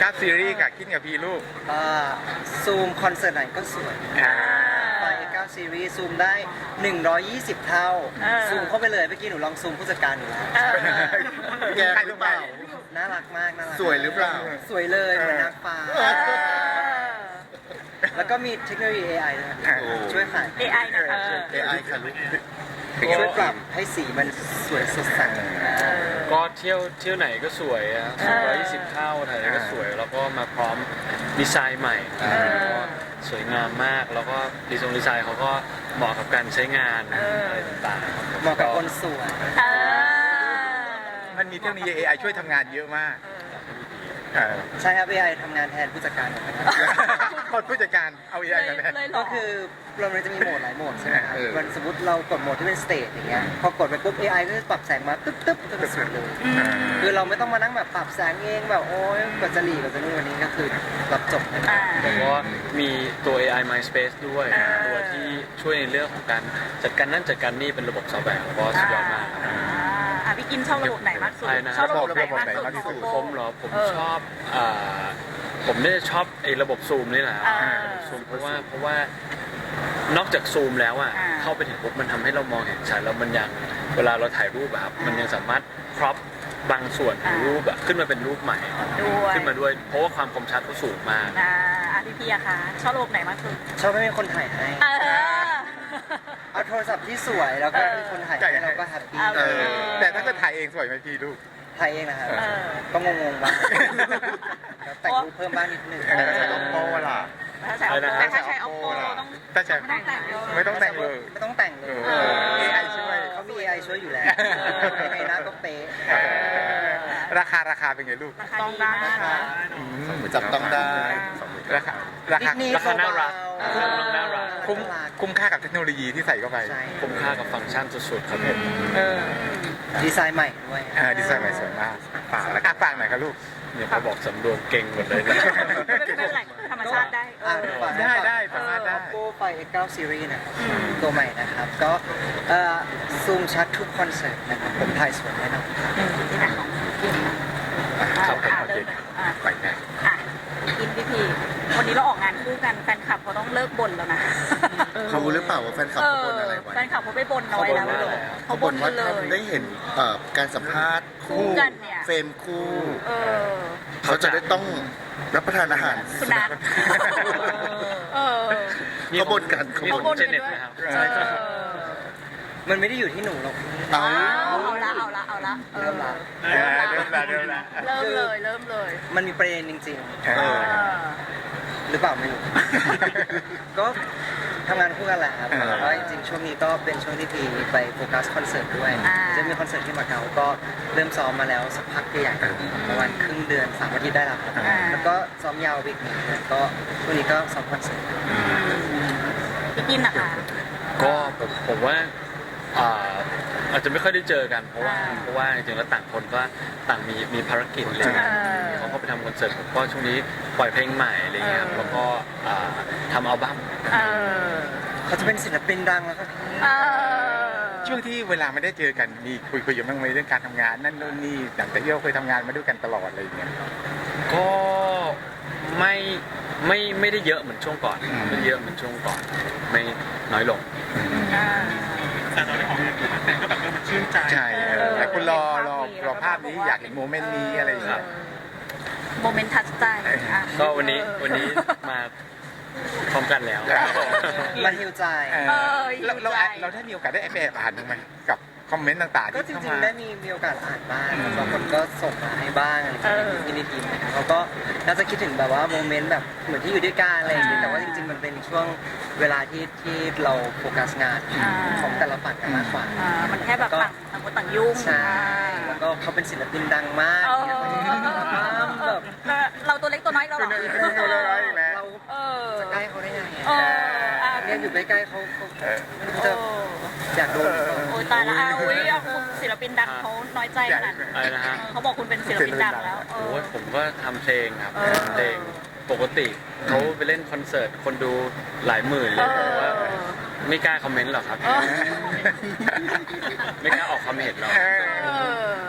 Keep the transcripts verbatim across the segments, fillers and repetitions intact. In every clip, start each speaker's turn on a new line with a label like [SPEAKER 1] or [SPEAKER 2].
[SPEAKER 1] าซีรีส์กับคิดกับพี่ลูก
[SPEAKER 2] ซูมคอนเสิร์ตไหนก็สวยไปเก้าซีรีส์ซูมได้หนึ่งร้อยยี่สิบเท่าซูมเข้าไปเลยเมื่อกี้หนูลองซูมผู้จัดการอยู่แล้ว
[SPEAKER 1] แกใครหรือเปล่า
[SPEAKER 2] น่ารักมากน่ารัก
[SPEAKER 3] สวยหรือเปล่า
[SPEAKER 2] สวยเลยเหมือนนางฟ้าแล้วก็มีเทคโนโลยี เอ ไอ ด้วยช่วยขาย
[SPEAKER 4] เอ ไอ นะคะ
[SPEAKER 3] เอ ไอ ค่ะลูก
[SPEAKER 2] ช่วยปรับให้สีมันสวยสดใส
[SPEAKER 5] ก็เที่ยวเที่ยวไหนก็สวยอ่ะร้อยยี่สิบเท่าถ่ายไหนก็สวยแล้วก็มาพร้อมดีไซน์ใหม่ก็สวยงามมากแล้วก็ดีไซน์ดีไซน์เขาก็เหมาะกับการใช้งานอะไรต่างๆ
[SPEAKER 2] เหมาะกับคนสวย
[SPEAKER 1] มันมีเทคโนโลยี เอ ไอ ช่วยทำงานเยอะมาก
[SPEAKER 2] ใช่ครับ เอ ไอ ทำงานแทนผู้จัดการ
[SPEAKER 1] คนผู้จัดการเอา เอ ไอ มาแทน
[SPEAKER 2] ก็คือเราจะมีโหมดหลายโหมดใช่ไหมครับมันสมมติเรากดโหมดที่เป็นสเตจอย่างเงี้ยพอกดไปปุ๊บ เอ ไอ ก็จะปรับแสงมาตึ๊บตึ๊บก็จะสวยเลยคือเราไม่ต้องมานั่งแบบปรับแสงเองแบบโอ๊ยกว่าจะหลีกว่าจะนู่นวันนี้ก็คือรับจบเลย
[SPEAKER 5] แต่ว่ามีตัว เอ ไอ MindSpace ด้วยตัวที่ช่วยในเรื่องของการจัดการนั่นจัดการนี่เป็นระบบซอฟต์แวร์ก็สุดยอดมาก
[SPEAKER 4] อ่ะพี่กินชอบระบบไหนมากสุดชอบระบบไหนมากสุด
[SPEAKER 5] ผมเหรอผมชอบผมเนี่ยชอบไอ้ระบบซูมนี่แหละซูมเพราะว่าเพราะว่านอกจากซูมแล้วอ่ะเข้าไปถึงปุ๊บมันทำให้เรามองเห็นชัดแล้วมันยังเวลาเราถ่ายรูปแบบมันยังสามารถครอปบางส่วนของรูปแบบขึ้นมาเป็นรูปใหม่ขึ้นมาด้วยเพราะว่าความคมชัดเขาสูงมาก
[SPEAKER 4] อ่าพี่พี่อะคะชอบระบบไหนมากสุด
[SPEAKER 2] ชอบไม่มีคนถ่ายให้เอาโทรศัพท์ที่สวยแล้วก็มีคนถ่ายให้เราก็แฮปปี้
[SPEAKER 1] แต่ถ้าเกิดถ่ายเองสวยไหมพี่ลูก
[SPEAKER 2] ถ่ายเองนะครับก็งงๆบ้างแต่งรูปเพิ่มบ้างนิดนึง
[SPEAKER 1] ใช้ Oppo ล่ะ
[SPEAKER 4] แต่ถ้าใช้ Oppo ต้อง
[SPEAKER 1] ไม่ต้องแต่งไม่ต้องแต่งเลย
[SPEAKER 2] ไม่ต้องแต่งเลย
[SPEAKER 1] เอไอ ช่วย
[SPEAKER 2] เขามี เอ ไอ ช่วยอยู่แล้วยังไงหน้าก็เป๊ะ
[SPEAKER 1] ราคาราคาเป็นไงลูก
[SPEAKER 4] ต้องได้นะคะ
[SPEAKER 3] จับต้องได้
[SPEAKER 1] ราคาราคา
[SPEAKER 5] ราคาน่ารักน่ารัก
[SPEAKER 1] คุ้มคุ้มค่ากับเทคโนโลยีที่ใส่เข้าไป
[SPEAKER 5] คุ้มค่ากับฟังก์ชันสุดๆครับผม
[SPEAKER 2] ดีไซน์ใหม่ด้วย
[SPEAKER 1] ดีไซน์ใหม่สวยมากฝากแล้วฝากหน่อยครับลูก
[SPEAKER 5] เนี่ยเขาบอกสำรวมเก่งหมดเลยนะ
[SPEAKER 4] ไม่เป็นไรธรรมชาติได้
[SPEAKER 1] ได้ได้สามารถได้
[SPEAKER 2] Oppo ไฟ เอ็กซ์ ไนน์ Series นะครับตัวใหม่นะครับก็ซูมชัดทุกคอนเสิร์ตนะครับผมถ่ายสวยแน่นอน
[SPEAKER 5] ครับผมโอเค
[SPEAKER 1] ไปแน่
[SPEAKER 4] กินพี่พีวันนี้เราออกงานคู่กันแฟนคลับเขาต้องเลิกบ่นแล้วนะ
[SPEAKER 3] เขารู้หรือเปล่าว่าแฟนคลับเขาบ่นอะไรไว้
[SPEAKER 4] แฟนคลับเขาไปบ่นน้อยแล้ว
[SPEAKER 3] เขาบ่นว่าถ้าได้เห็นการสัมภาษณ์คู่
[SPEAKER 4] กันเนี่ย
[SPEAKER 3] เฟรมคู่เขาจะได้ต้องรับประทานอาหาร
[SPEAKER 4] สุนัข
[SPEAKER 3] เขาบ่นกัน
[SPEAKER 5] เขาบ่นกันด้วย
[SPEAKER 2] มันไม่ได้อยู่ที่หนูหรอก
[SPEAKER 4] เอาละเอาละเอาละ
[SPEAKER 2] เริ่มละ
[SPEAKER 1] เริ่มละเริ่มละ
[SPEAKER 4] เริ่มเลยเริ่มเลย
[SPEAKER 2] มันมีประเด็นจริงๆหรือเปล่าไม่รู้ก็ทำงานคู่กันแหละครับแล้วก็จริงๆช่วงนี้ก็เป็นช่วงที่พีไปโฟกัสคอนเสิร์ตด้วยจะมีคอนเสิร์ตที่มาเก๊าก็เริ่มซ้อมมาแล้วสักพักใหญ่ประมาณครึ่งเดือนสามอาทิตย์ได้แล้วครับแล้วก็ซ้อมยาวอีกหนึ่งเดือนก็ช่วงนี้ก็ซ้อมคอนเสิร์ต
[SPEAKER 4] พี่กินนะคะ
[SPEAKER 5] ก็ผมผมว่าอาจจะไม่ค่อยได้เจอกันเพราะว่าเพราะว่าจริงๆแล้วต่างคนก็ต่างมีมีภารกิจอะไรเงี้ยเขาก็ไปทำคอนเสิร์ตผมก็ช่วงนี้ปล่อยเพลงใหม่อะไรเงี้ยแล้วก็ทำอัลบั้ม
[SPEAKER 2] เขาจะเป็นศิลปินดังแล้วครับ
[SPEAKER 1] ช่วงที่เวลาไม่ได้เจอกันมีคุยคุยกันบ้างไหมเรื่องการทำงานนั่นนู่นนี่แต่แต่ที่เราเคยทำงานมาด้วยกันตลอดอะไรอย่างเงี้ย
[SPEAKER 5] ก็ไม่ไม่ไม่ได้เยอะเหมือนช่วงก่อนไม่เยอะเหมือนช่วงก่อนไม่น้อยลง
[SPEAKER 1] แต่ตอนนี้ของแต่ก็แบบมันชื่นใจใช่แต่คุณรอรอรอภาพนี้อยากเห็นโมเมนต์นี้อะไรอย่างเงี้ย
[SPEAKER 4] โมเมนต์ทัชใจ
[SPEAKER 5] ก็วันนี้วันนี้มาพร้อมกันแล้ว
[SPEAKER 2] มันฮิวใจ
[SPEAKER 1] เราเราเราได้มีโอกาสได้แอบอ่านบ้างไหมกับคอมเมนต์ต่างๆ
[SPEAKER 2] ก็จริงๆได้มีมีโอกาสอ่านบ้างบางคนก็ส่งมาให้บ้างอะไรอย่างเงี้ยในทีมเขาก็น่าจะคิดถึงแบบว่าโมเมนต์แบบเหมือนที่อยู่ด้วยกันอะไรอย่างเงี้ยแต่ว่าจริงๆมันเป็นช่วงเวลาที่ที่เราโฟกัสงานของแต่ละฝั่งกันมากกว่า
[SPEAKER 4] มันแค่แบบต่างต่างคนต่างยุ่ง
[SPEAKER 2] ใช่แล้วก็เขาเป็นศิลปินดังมาก
[SPEAKER 4] แบบเราตัวเล็กตัวน้อยเราหรอ
[SPEAKER 2] เราจะใกล้เขาได้ไงเนี่ยอยู่ใกล้ๆเขาเขาจะอยากโดน
[SPEAKER 4] โอ้ยตายละอุ้ยศิลปินดังเขาน้อยใจขนาดเขาบอกคุณเป็นศิลปินดังแล้ว
[SPEAKER 5] โอ้ยผมก็ทำเพลงครับเพลงปกติเขาไปเล่นคอนเสิร์ตคนดูหลายหมื่นเลยแต่ว่าไม่กล้าคอมเมนต์หรอกครับไม่กล้าออกความเห็นหรอก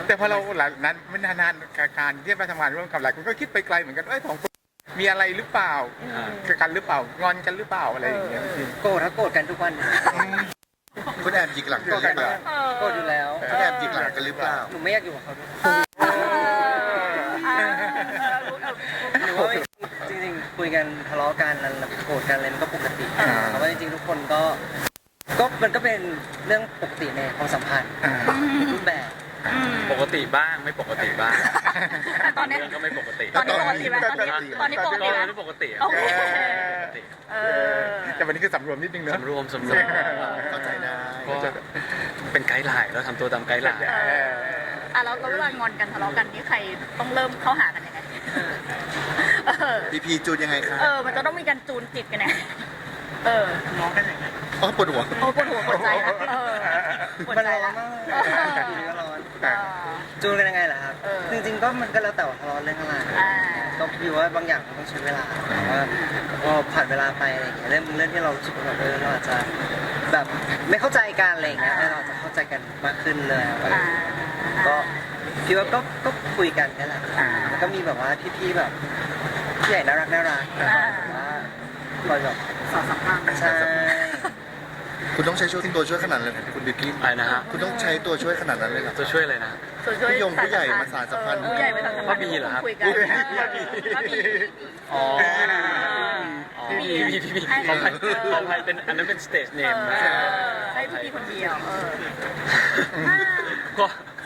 [SPEAKER 1] แต่พอเราหลังนั้นไม่นานๆการที่มาทำงานร่วมกับหลายคนก็คิดไปไกลเหมือนกันเอ้ยสองคนมีอะไรหรือเปล่ากันหรือเปล่างอนกันหรือเปล่าอะไรอย่างเงี้ย
[SPEAKER 2] โกรธถ้าโกรธกันทุกวัน
[SPEAKER 3] คุณแอบหยิกหลังกันหรือเปล่า
[SPEAKER 2] โกรธอยู่แล้ว
[SPEAKER 3] คุณแอบหยิกหลังกันหรือเปล่า
[SPEAKER 2] หนูไม่อยากอยู่กับเขาด้วย
[SPEAKER 4] เอออ่า
[SPEAKER 2] หรือว่าจริงๆคุยกันทะเลาะกันแล้วโกรธกันอะไรมันก็ปกติเพราะว่าจริงๆทุกคนก็ก็มันก็เป็นเรื่องปกติในความสัมพันธ์รูปแบบ
[SPEAKER 5] ปกติบ้างไม่ปกติบ้าง
[SPEAKER 4] แต่ตอนเนี้ย
[SPEAKER 5] เรื่องก็ไม่ปกติ
[SPEAKER 4] ตอนนี้ปกติไหมตอนนี้ตอนนี้ปก
[SPEAKER 5] ก็
[SPEAKER 4] ติไหม
[SPEAKER 5] ไม่ปกติ
[SPEAKER 4] โอเค
[SPEAKER 5] ปกติ
[SPEAKER 4] เออ
[SPEAKER 1] แต่วันนี้คือสำรวมนิดนึงเนอะ
[SPEAKER 5] สำรวมสำรวม
[SPEAKER 3] เข้าใจได้
[SPEAKER 5] ก็เป็นไกด์ไลน์แล้วทำตัวตามไกด์ไลน์
[SPEAKER 4] เอออ่ะแล้วแล้วเวลางอนกันทะเลาะกันนี่ใครต้องเริ่มเข้าหากันยังไงเออ
[SPEAKER 3] พีพีจูนยังไงคะ
[SPEAKER 4] เออมันจะต้องมีการจูนจิตกันไงเออ
[SPEAKER 3] อ๋อปวดหัว
[SPEAKER 4] โอ้ปวดหัวปวดใจนะเออปวด
[SPEAKER 2] มัน
[SPEAKER 4] ใจ
[SPEAKER 2] ร้อน
[SPEAKER 4] ละ
[SPEAKER 2] มากเลย
[SPEAKER 4] เออ
[SPEAKER 2] อยู่ดีก็ร้อน
[SPEAKER 4] เออ
[SPEAKER 2] จูนกันยังไงล่ะครับ
[SPEAKER 4] เออ
[SPEAKER 2] จริงๆก็มันก็แล้วแต่ว่าทะเลาะเรื่องอะไร
[SPEAKER 4] อ่า
[SPEAKER 2] ก็พี่ว่าบางอย่างมันต้องใช้เวลาแต่ว่าพอผ่านเวลาไปอะไรอย่างเงี้ยเรื่องเรื่องที่เรารู้สึกว่าแบบเออเราอาจจะแบบไม่เข้าใจกันอะไรอย่างเงี้ยเราอาจจะเข้าใจกันมากขึ้นเลยอะไรอย่าง
[SPEAKER 4] อ่า
[SPEAKER 2] เงี้ยก็พี่ว่าก็ก็คุยกันนี่แหละแล้วก็มีแบบว่าพี่ๆแบบพี่ใหญ่น่ารักน่ารักแบบว่าคอยแบบ
[SPEAKER 4] สอนสัมพันธ์
[SPEAKER 2] ใช่
[SPEAKER 3] คุณต้องใช้ช่วยตัวช่วยขนาดนั้นเลยเหรอคุณบิ๊กกี้
[SPEAKER 5] อะไรนะฮะ
[SPEAKER 3] คุณต้องใช้ตัวช่วยขนาดนั้นเลยเหรอ
[SPEAKER 5] ตัวช่วยอะไรนะ
[SPEAKER 4] ส่วนช่วย
[SPEAKER 3] ผู้ยงผู้ใหญ่มาสานสัมพันธ์
[SPEAKER 4] เออผู้ใหญ่มาสานสัมพันธ์
[SPEAKER 5] พ่อบีเหรอครับ
[SPEAKER 4] คุยกันพ่อบี
[SPEAKER 5] อ๋อ
[SPEAKER 4] พี่
[SPEAKER 5] พี่
[SPEAKER 4] บี
[SPEAKER 5] พี่พี่พี่
[SPEAKER 4] ให้
[SPEAKER 5] ขออภัยขออภัยเป็นอันนั้นเป็นสเตจเน
[SPEAKER 4] เอ
[SPEAKER 5] ม
[SPEAKER 4] อ
[SPEAKER 5] นะ
[SPEAKER 4] ให้พี่บีคนเดียวเออ
[SPEAKER 5] ก็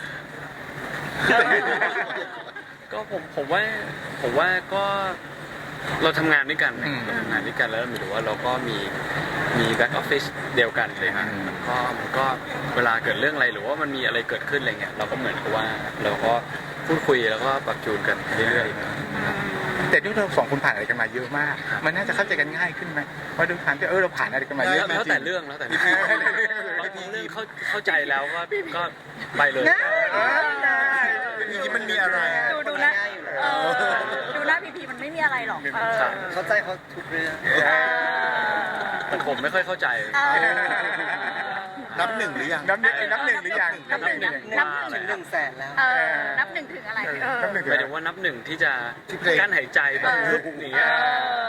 [SPEAKER 5] ก็ผมผมว่าผมว่าก็เราทำงานด้วยกันเราทำงานด้วยกันแล้วหมายถึงว่าเราก็มีมีแบ็กออฟฟิศเดียวกันเลยครับมันก็มันก็เวลาเกิดเรื่องอะไรหรือว่ามันมีอะไรเกิดขึ้นอะไรเงี้ยเราก็เหมือนกับว่าเราก็พูดคุยแล้วก็ปรับจูนกันเรื่อยๆ
[SPEAKER 1] แต่ด้วยเราสองคนผ่านอะไรกันมาเยอะมาก มันน่าจะเข้าใจกันง่ายขึ้นไหมว่าด้วยความที่เออเราผ่านอะไรกันมาเยอะ
[SPEAKER 5] แล้วแต่เรื่องแล้วแต่เรื่องบางเรื่องเข้าเข้าใจแล้วก็ก็ไปเลย
[SPEAKER 3] ทีนี้มันมีอะไร
[SPEAKER 4] ดูดูนะเออดูหน้าพีพีมันไม่มีอะไรหรอกเออ
[SPEAKER 2] เข้าใจเขาทุกเรื่อง
[SPEAKER 5] แต่ผมไม่ค่อยเข้าใจ
[SPEAKER 4] เออ
[SPEAKER 3] นับหนึ่งหรือยัง
[SPEAKER 1] นับหนึ่งนับหนึ่งหรือยัง
[SPEAKER 4] นับหนึ่ง
[SPEAKER 1] นั
[SPEAKER 4] นั
[SPEAKER 1] บบ หนึ่ง
[SPEAKER 4] นับหนึ่ง
[SPEAKER 2] ถึงหนึ่งแสนแล้ว
[SPEAKER 4] เออนับหนึ่งถึงอะไรเออ
[SPEAKER 1] นับหนึ่ง
[SPEAKER 5] หมายถึงว่านับหนึ่งที่จะ
[SPEAKER 3] ที่เพลง
[SPEAKER 5] กั้นหายใจแบบลุกอย่าง
[SPEAKER 4] เอ
[SPEAKER 5] เงี้ย
[SPEAKER 4] อ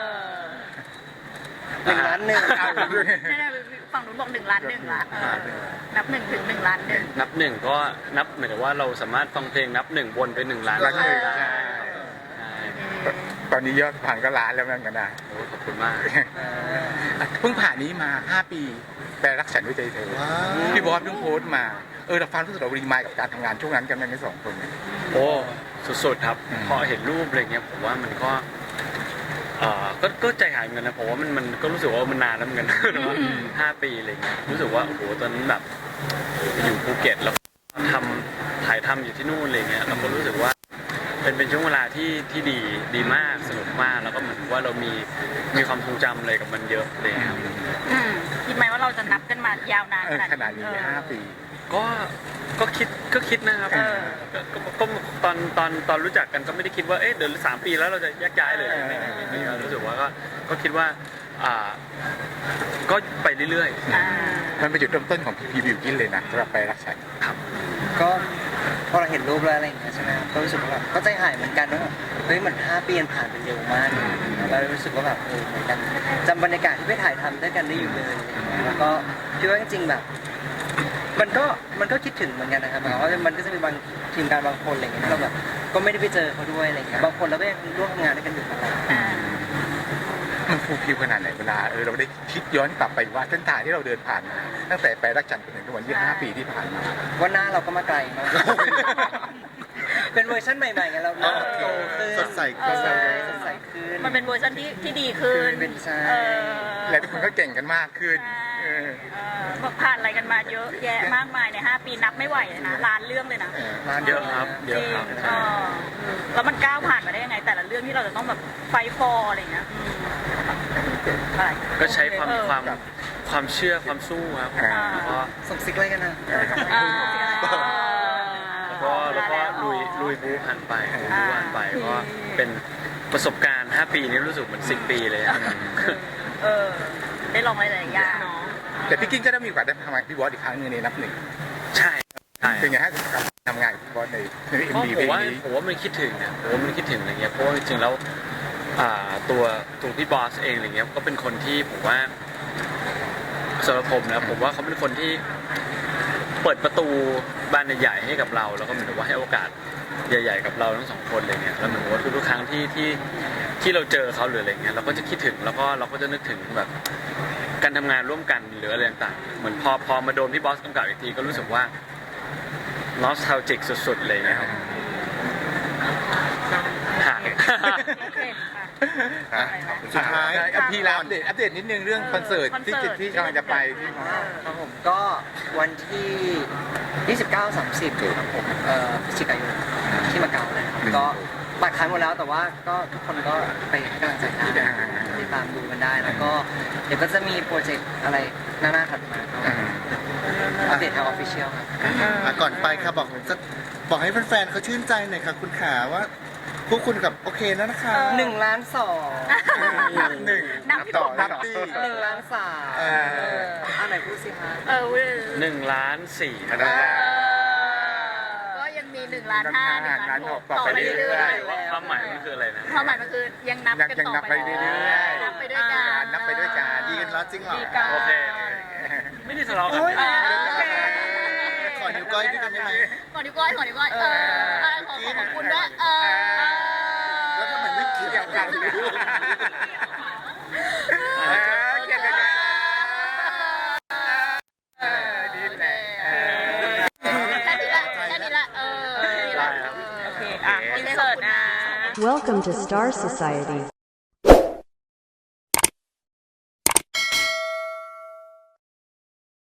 [SPEAKER 2] หนึ่งล้านหนึ่ง
[SPEAKER 4] เนี่ยฝั่งนู้นบอกหนึ่งล้านหนึ่งละเออนับหนึ่งถึงหนึ่งล้านหนึ่ง
[SPEAKER 5] นับหนึ่งก็นับหมายถึงว่าเราสามารถฟังเพลงนับหนึ่งวนไปหนึ่งล้าน
[SPEAKER 1] ล้านหนึ่ง
[SPEAKER 5] ได้
[SPEAKER 1] ใช่
[SPEAKER 5] ใช่
[SPEAKER 1] ตอนนี้ยอดผ่านก็ล้านแล้วเหมือนกันนะ
[SPEAKER 5] โอ้ขอบคุณมาก
[SPEAKER 1] เพิ่งผ่านนี้มาห้าปีแปลรักฉันด้วยใจเธอ
[SPEAKER 3] ว้าว
[SPEAKER 1] พี่บอสเพิ่งโพสต์มาเออเราฟังรู้สึกเรารีมายกับการทำงานช่วงนั้นกันทั้งสองคน
[SPEAKER 5] โอ้สุดๆครับ
[SPEAKER 1] อืม
[SPEAKER 5] พอเห็นรูปอะไรเงี้ยผมว่ามันก็เอ่อก็ก็ใจหายเหมือนกันนะผมว่ามันมันก็รู้สึกว่ามันนานแล้วเหมือนกันนะว่าห้าปีอะไรเงี้ยรู้สึกว่าโอ้โหตอนนั้นแบบอยู่ภูเก็ตแล้วทำถ่ายทำอยู่ที่นู่นอะไรเงี้ยเราก็รู้สึกว่าเป็นเป็นช่วงเวลาที่ที่ดีดีมากสนุกมากแล้วก็เหมือนว่าเรามีมีความทรงจำอะไรกับมันเยอะเลยครับ
[SPEAKER 4] อืมคิดไหมว่าเราจะนับกันมายาวนาน
[SPEAKER 1] เออขนาดนี้
[SPEAKER 4] เออ
[SPEAKER 1] ห้าปี
[SPEAKER 5] ก็ก็คิดก็คิดนะครับ
[SPEAKER 1] เออ
[SPEAKER 5] ก็ก็ก็ตอนตอนตอนรู้จักกันก็ไม่ได้คิดว่าเอ๊ะเดี๋ยวสามปีแล้วเราจะแยกย้ายเลย
[SPEAKER 1] เออ
[SPEAKER 5] ไม่ไม่ไม่ไม่รู้สึกว่าก็ก็คิดว่าอ่าก็ไปเรื่อย
[SPEAKER 4] อ่า
[SPEAKER 1] มันเป็นจุดเริ่มต้นของพีพีบิวกินเลยนะสำหรับแปลรักฉัน
[SPEAKER 5] ๆครับ
[SPEAKER 2] ก็พอเราเห็นรูปแล้วอะไรอย่างเงี้ยใช่ไหมครับก็รู้สึกว่าแบบก็ใจหายเหมือนกันว่าแบบเฮ้ยเหมือนห้าปีมันผ่านไปเร็วมากแล้วรู้สึกว่าแบบเออเหมือนกันจำบรรยากาศที่ไปถ่ายทำด้วยกันได้อยู่เลยอะไรอย่างเงี้ยแล้วก็คิดว่าจริงๆแบบ มันก็มันก็คิดถึงเหมือนกันนะครับหมายความว่ามันก็จะมีบางทีมงานบางคนอะไรอย่างเงี้ยที่เราแบบก็ไม่ได้ไปเจอเขาด้วยอะไรอย่างเงี้ยบางคนเราก็ยังร่วมทำงานด้วยกันอยู่ตลอด
[SPEAKER 4] อ่า
[SPEAKER 1] มันฟูลฟิลขนาดไหนเวลาเออเราได้คิดย้อนกลับไปว่าเส้นทางที่เราเดินผ่านมาตั้งแต่แปลรักฉันจนถึงทุกวันยี่ห้าปีที่ผ่านมา
[SPEAKER 2] ว่าหน้าเราก็มาไกลมาก เป็นเวอร์ชันใหม่ๆไงเราเราโตขึ้น
[SPEAKER 3] สดใส
[SPEAKER 4] เออ
[SPEAKER 2] ใช่สดใสขึ้น
[SPEAKER 4] มันเป็นเวอร์ชันที่ที่ดีขึ้น
[SPEAKER 2] เป็นใช่
[SPEAKER 4] เออ
[SPEAKER 1] และทุกคนก็เก่งกันมากขึ้นเออ
[SPEAKER 4] เออผ่านอะไรกันมาเยอะแยะมากมายในห้าปีนับไม่ไหวเลยนะล้านเรื่องเลยนะ
[SPEAKER 2] ร้าน
[SPEAKER 5] เยอะครับเยอะครับ
[SPEAKER 4] จริงเออแล้วมันก้าวผ่านมาได้ยังไง แต่ละเรื่องที่เราจะต้องแบบไฟฟอร์อะไรอย่างเงี้ยอืมอะไร
[SPEAKER 5] ก็ใช้ความ
[SPEAKER 4] เออ
[SPEAKER 5] ความความเชื่อความสู้ครับ
[SPEAKER 1] อ่า
[SPEAKER 5] แล้วก็
[SPEAKER 2] ส่งซิกอะไรกันนะ
[SPEAKER 4] อ่า
[SPEAKER 5] แล้วก็แล้วก็ลุยลุยบูผ่านไปลุยบูผ่านไปก็เป็นประสบการณ์ห้าปีนี้รู้สึกเหมือนสิบปีเลยอะ
[SPEAKER 4] เออได้ลองอะไรหลายๆอย่าง
[SPEAKER 1] แต่พี่กิ้งก็ได้มีโอกาสได้ทำงานกับพี่บอสอีกครั้งหนึงในนับหนึ่ง
[SPEAKER 5] ใช่ใช่
[SPEAKER 1] เป็นไงฮะกับทำงานกับพี่บอสในในเอ็ม
[SPEAKER 5] ก็
[SPEAKER 1] วี
[SPEAKER 5] ผ
[SPEAKER 1] เพล
[SPEAKER 5] ม
[SPEAKER 1] ง
[SPEAKER 5] ว่า
[SPEAKER 1] นี้
[SPEAKER 5] ผมว่ามันคิดถึงอ่ะผมว่ามันคิดถึงอะไรเงี้ยเพราะว่าจริงๆแล้วอ่าตัวตัวพี่บอสเองอะไรเงี้ยก็เป็นคนที่ผมว่าสำหรับผมนะผมว่าเขาเป็นคนที่เปิดประตูบานใหญ่ๆให้กับเรา แล้วก็เหมือนกับว่าให้โอกาสใหญ่ๆกับเราทั้งสองคนเลยเนี่ยแล้วเหมือนกับว่าทุกๆครั้งที่ที่ที่เราเจอเขาหรืออะไรเงี้ยเราก็จะคิดถึงแล้วก็เราก็จะนึกถึงแบบการทำงานร่วมกันหรืออะไรต่างๆเหมือนพอพอมาโดนพี่บอสกำกับอีกทีก็รู้สึกว่านอสทาลจิกสุดๆเลยนะครับหาย
[SPEAKER 4] โอเคค่ะ
[SPEAKER 3] อ่ะสุดท้าย
[SPEAKER 1] อ่ะพี่ลาอัปเดตอัปเดตนิดนึงเรื่องคอนเสิร์ตที่จะที่กำลังจะไปที่
[SPEAKER 2] ครับผมก็วันที่ยี่สิบเก้า สามสิบครับผมเอ่อพฤศจิกายนที่มาเก๊าเลยครับก็บัตรขายหมดแล้วแต่ว่าก็ทุกคนก็ไปให้กำลังใจได้ติดตามดูกันได้แล้วก็เดี๋ยวก็จะมีโปรเจกต์อะไรหน้าๆถัดมาก็อัปเดตทางออฟฟิเชียลครับ
[SPEAKER 3] อ่ะก่อนไปค่ะบอกจะบอกให้แฟนๆเขาชื่นใจหน่อยค่ะคุณขาว่าพวกคุณกับโอเคแล้วนะคะ
[SPEAKER 2] หนึ่งล้านสอง
[SPEAKER 1] นับหนึ่ง
[SPEAKER 4] นับ
[SPEAKER 1] ต่อนับตี
[SPEAKER 2] หนึ่งล้านสาม
[SPEAKER 1] เออ
[SPEAKER 2] เอออันไหนพูดสิคะ
[SPEAKER 4] เออเว้ย
[SPEAKER 5] หนึ่งล้านสี่ครับ
[SPEAKER 4] ก็ยังมีหนึ่งล้านห้าหนึ่งล้านหก
[SPEAKER 1] ต่
[SPEAKER 4] ต่
[SPEAKER 1] อ
[SPEAKER 4] อ
[SPEAKER 1] ไป
[SPEAKER 4] ไป
[SPEAKER 1] เรื่
[SPEAKER 4] เรื่
[SPEAKER 1] อ
[SPEAKER 4] อย ย
[SPEAKER 1] ๆ
[SPEAKER 5] ความหมายมันคืออะไรนะ
[SPEAKER 4] ๆความหมายมันคือยังนับกัน
[SPEAKER 1] ยัง
[SPEAKER 4] ต่อ
[SPEAKER 1] นับ
[SPEAKER 4] ไป
[SPEAKER 1] ไปเรื่อยๆ
[SPEAKER 4] นับไปด้วยกัน
[SPEAKER 1] นับไปด้วยกัน
[SPEAKER 3] ดีกันแล้วจริงเหรอ
[SPEAKER 4] ดีกัน
[SPEAKER 5] โอเค ไม่ได้ทะเลาะกัน
[SPEAKER 3] โอ้ย
[SPEAKER 4] เออโอเค
[SPEAKER 3] ขอนิ้วก้อยด้วยกันได้ไหม
[SPEAKER 4] ขอนิ้วก้อยขอนิ้วก้อยเออขอขอขอบคุณด้วยเออ
[SPEAKER 3] แล้วทำไมไม่เกี่
[SPEAKER 1] เกี่
[SPEAKER 3] ย
[SPEAKER 1] ยว ว
[SPEAKER 3] กั
[SPEAKER 1] กัน นเออเกี่ยวกันเออดีแหละเออ
[SPEAKER 4] แค่นี้ละแค่นี้ละเออ
[SPEAKER 5] ได้ครับ
[SPEAKER 4] โอเคอ่ะอินเสิร์ตนะ
[SPEAKER 6] Welcome to Star Society.